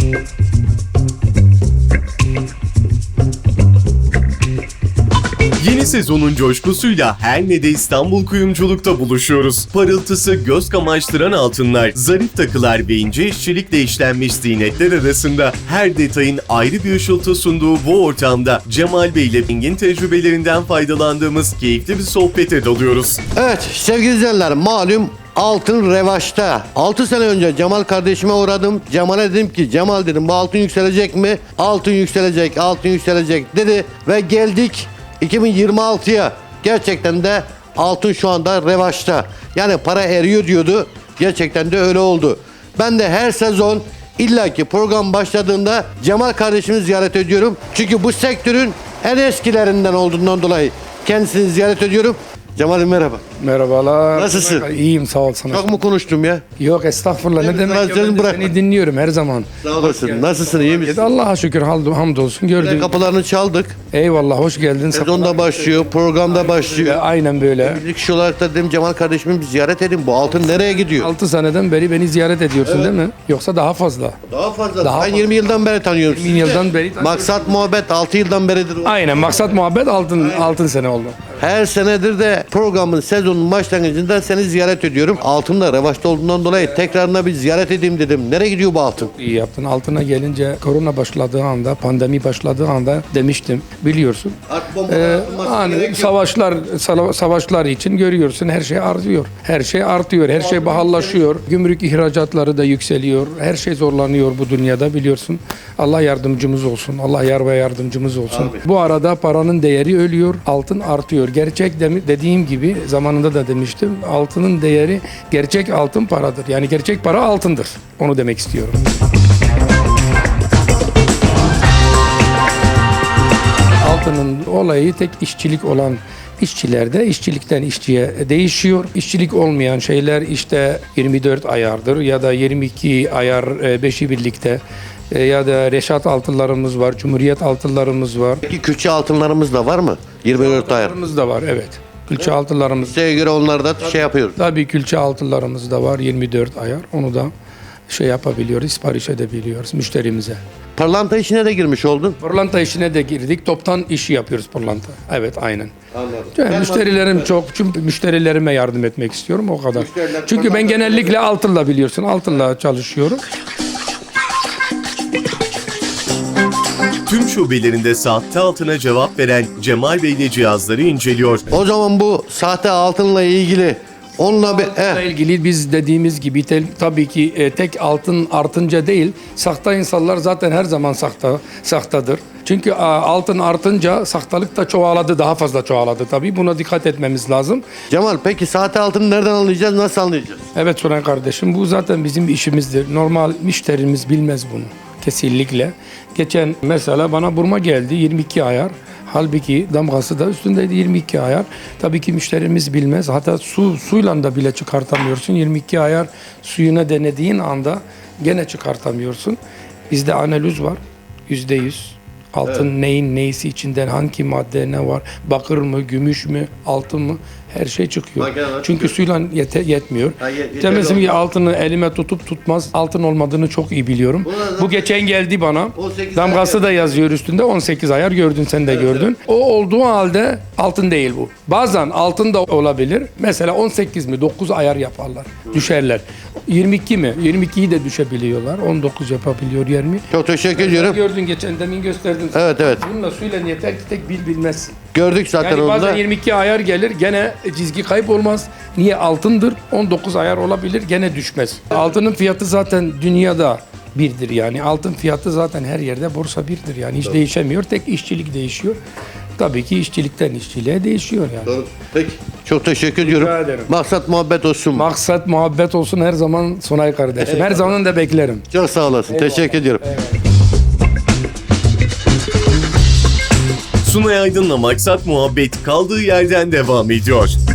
Yeni sezonun coşkusuyla her ne de İstanbul kuyumculukta buluşuyoruz. Parıltısı göz kamaştıran altınlar, zarif takılar ve ince işçilikle işlenmiş ziynetler arasında her detayın ayrı bir ışıltı sunduğu bu ortamda Cemal Bey ile engin tecrübelerinden faydalandığımız keyifli bir sohbete dalıyoruz. Evet sevgili izleyenler, malum altın revaçta. 6 sene önce Cemal kardeşime uğradım. Cemal'e dedim ki, Cemal dedim, bu altın yükselecek mi? Altın yükselecek, altın yükselecek dedi ve geldik 2026'ya. Gerçekten de altın şu anda revaçta. Yani para eriyor diyordu. Gerçekten de öyle oldu. Ben de her sezon illaki program başladığında Cemal kardeşimi ziyaret ediyorum. Çünkü bu sektörün en eskilerinden olduğundan dolayı kendisini ziyaret ediyorum. Cemal'im merhaba. Merhabalar. Nasılsın? İyiyim, sağ ol sana. Çok mu konuştum ya? Yok estağfurullah, ne demek ya, Seni ben de bırakma. seni dinliyorum her zaman. Sağ olasın. Nasılsın? İyi misin? Allah'a şükür, hamdolsun, gördük. Kapılarını çaldık. Eyvallah, hoş geldin. Sezon da başlıyor, program da başlıyor. Aynen böyle. Bir kişi olarak da dedim Cemal kardeşimi bir ziyaret edin. Bu altın nereye gidiyor? 6 seneden beri beni ziyaret ediyorsun değil mi? Yoksa daha fazla. Daha fazla. Daha Ben fazla. 20 yıldan beri tanıyorum 20 sizi. yıldan beri tanıyorum. Maksat muhabbet 6 yıldan beridir. Aynen, maksat muhabbet altın sene oldu. Her senedir de programın sezonun başlangıcında seni ziyaret ediyorum. Altın da revaçta olduğundan dolayı tekrarına bir ziyaret edeyim dedim. Nereye gidiyor bu altın? İyi yaptın. Altına gelince korona başladığı anda, pandemi başladığı anda demiştim, biliyorsun. Hani savaşlar için görüyorsun, her şey artıyor. Her şey artıyor, her şey pahalılaşıyor. Gümrük ihracatları da yükseliyor. Her şey zorlanıyor bu dünyada, biliyorsun. Allah yardımcımız olsun. Allah yar ve yardımcımız olsun. Amin. Bu arada paranın değeri ölüyor, altın artıyor. Gerçek dediğim gibi zamanında da demiştim. Altının değeri, gerçek altın paradır. Yani gerçek para altındır. Onu demek istiyorum. Altının olayı tek işçilik olan işçilerde işçilikten işçiye değişiyor. İşçilik olmayan şeyler işte 24 ayardır ya da 22 ayar 5'i birlikte ya da Reşat altınlarımız var, Cumhuriyet altınlarımız var. Peki külçe altınlarımız da var mı? 24 ayar. Altınlarımız da var, evet. Külçe altınlarımız. Size göre onları da şey yapıyoruz. Tabii külçe altınlarımız da var, 24 ayar. Onu da yapabiliyoruz, sipariş edebiliyoruz müşterimize. Pırlanta işine de girmiş oldun. Pırlanta işine de girdik. Toptan işi yapıyoruz pırlanta. Evet, aynen. Anladım. Yani müşterilerim çok. Çünkü müşterilerime yardım etmek istiyorum, o kadar. Müşteriler Çünkü ben pırlanta genellikle altınla, biliyorsun, altınla çalışıyorum. Tüm şubelerinde sahte altına cevap veren Cemal Bey ile cihazları inceliyor. O zaman bu sahte altınla ilgili onunla bir... Bununla ilgili biz dediğimiz gibi tabii ki tek altın artınca değil, sahte insanlar zaten her zaman sahtadır. Çünkü altın artınca sahtalık da çoğaladı, daha fazla çoğaladı tabii. Buna dikkat etmemiz lazım. Cemal peki sahte altını nereden anlayacağız, nasıl anlayacağız? Evet Sunan kardeşim, bu zaten bizim işimizdir. Normal müşterimiz bilmez bunu. Kesinlikle. Geçen mesela bana burma geldi 22 ayar. Halbuki damgası da üstündeydi 22 ayar. Tabii ki müşterimiz bilmez. Hatta suyla da bile çıkartamıyorsun. 22 ayar suyuna denediğin anda gene çıkartamıyorsun. Bizde analiz var. %100. Altın neyin neyisi içinden, hangi madde ne var, bakır mı, gümüş mü, altın mı, her şey çıkıyor. Çünkü suyla yetmiyor. Demezim ki altını elime tutup tutmaz, altın olmadığını çok iyi biliyorum. Bu geçen geldi bana, damgası da yazıyor üstünde, 18 ayar, gördün sen de gördün. O olduğu halde altın değil bu. Bazen altın da olabilir. Mesela 18 mi, 9 ayar yaparlar, düşerler. 22 mi, 22'yi de düşebiliyorlar, 19 yapabiliyor 20. Çok teşekkür ediyorum. Gördün geçen, demin gösterdim. Evet. Bununla suyla yeter ki tek bilmezsin. Gördük zaten Yani onu bazen da. 22 ayar gelir, gene çizgi kaybolmaz. Niye? Altındır. 19 ayar olabilir, gene düşmez. Altının fiyatı zaten dünyada birdir yani. Altın fiyatı zaten her yerde borsa birdir yani. Hiç değişemiyor. Tek işçilik değişiyor. Tabii ki işçilikten işçiliğe değişiyor yani. Doğru. Peki. Çok teşekkür ediyorum. ederim. Maksat muhabbet olsun. Maksat muhabbet olsun her zaman Sunay kardeşim. Her zaman da beklerim. Çok sağ olasın. Teşekkür ediyorum. Sunay Aydın'la Maksat Muhabbet kaldığı yerden devam ediyor.